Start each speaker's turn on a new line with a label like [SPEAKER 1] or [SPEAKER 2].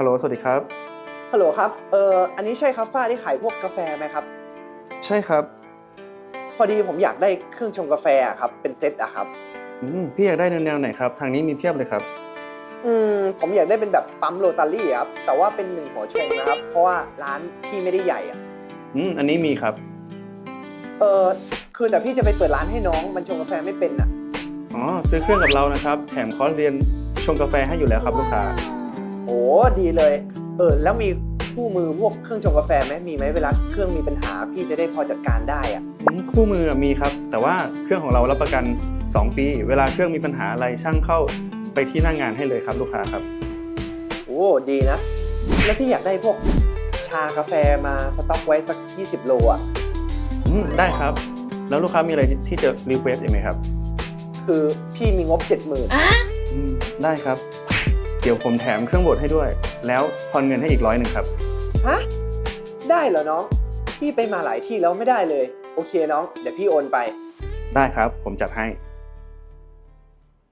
[SPEAKER 1] ฮัลโหลสวัสดีครับ
[SPEAKER 2] ฮัลโหลครับอันนี้ใช่ครับฝ้าที่ขายพวกกาแฟไหมครับ
[SPEAKER 1] ใช่ครับ
[SPEAKER 2] พอดีผมอยากได้เครื่องชงกาแฟอะครับเป็นเซตอะครับ
[SPEAKER 1] พี่อยากได้แนวไหนครับทางนี้มีเพียบเลยครับ
[SPEAKER 2] ผมอยากได้เป็นแบบปั๊มโรตารี่ครับแต่ว่าเป็น1หัวชงนะครับเพราะว่าร้านพี่ไม่ได้ใหญ่อะ
[SPEAKER 1] อันนี้มีครับ
[SPEAKER 2] เออคือแต่พี่จะไปเปิดร้านให้น้องมันชงกาแฟไม่เป็นอะ
[SPEAKER 1] อ๋อซื้อเครื่องกับเรานะครับแถมคอร์สเรียนชงกาแฟให้อยู่แล้วครับลูกค้า
[SPEAKER 2] โอ้ดีเลยแล้วมีคู่มือพวกเครื่องชงกาแฟไหมมีไหมเวลาเครื่องมีปัญหาพี่จะได้พอจัดการได้อะ
[SPEAKER 1] คู่มือมีครับแต่ว่าเครื่องของเรารับประกัน2ปีเวลาเครื่องมีปัญหาอะไรช่างเข้าไปที่หน้างานให้เลยครับลูกค้าครับ
[SPEAKER 2] โอ้ดีนะแล้วพี่อยากได้พวกชากาแฟมาสต็อกไว้สัก20 โลอะ
[SPEAKER 1] ได้ครับแล้วลูกค้ามีอะไรที่จะรีเควสอีกไหมครับ
[SPEAKER 2] คือพี่มีงบ 70,000
[SPEAKER 1] ได้ครับเดี๋ยวผมแถมเครื่องบดให้ด้วยแล้วทอนเงินให้อีก100ครับ
[SPEAKER 2] ฮะได้เหรอน้องพี่ไปมาหลายที่แล้วไม่ได้เลยโอเคน้องเดี๋ยวพี่โอนไป
[SPEAKER 1] ได้ครับผมจัดให้